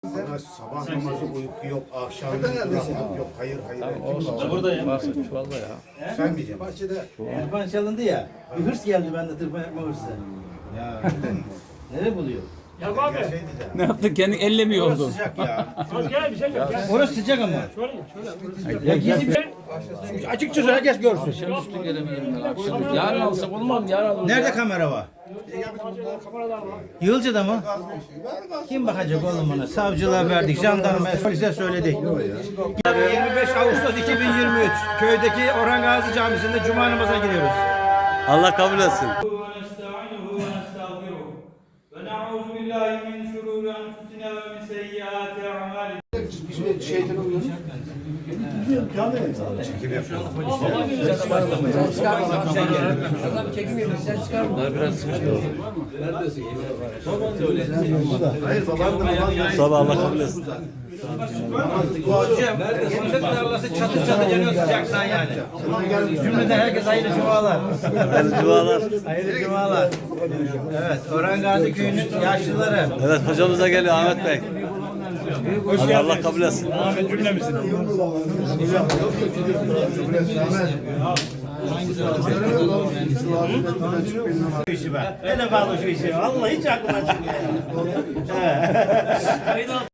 Sabah namazı uyku yok, akşam uyku yok. Hayır. Buradayım. Varsa çuvalda ya. Sen diyeceksin. Tırpan çalındı ya. Bir hırs geldi bende tırpan yapma hırsı. Ya. Nereye buluyor? Ya abi. Ne yaptın? Kendin elle mi Orası yoldun? sıcak ya. Az gel bir şey yok. Gel. Orası sıcak ama. Şöyle. Ya gizli bir açıkçası herkes görsün. Üstü gelebilirim ben akşam. Yarın alsak olmaz mı? Yarın alırız. Nerede kamera var? Kameralar var. Yığılcı'da mı? Kim bakacak oğlum bana? Savcılığa verdik, jandarmaya, polise söyledik. 25 Ağustos 2023 köydeki Orhan Gazi Camisi'nde Cuma namazına giriyoruz. Allah kabul etsin. ونستعينه ونستغفره ونعوذ بالله من شرور أنفسنا ومن سيئات أعمالنا Bunlar biraz sıkıntı. Hayır baban da namaz Sonra Allah kabul etsin. Hocam, Emret tarlası çatır çatır yanıyor sıcaktan yani. Cümleden herkes hayırlı cumalar. Hayırlı dualar. Hayırlı cumalar. Evet, Orhan Gazi Köyü'nün yaşlıları. Evet hocamız da geliyor Ahmet Bey. Hadi Allah kabul etsin. Şu işi be. Ne de bağlı şu işi. Vallahi hiç aklıma çıkmıyor.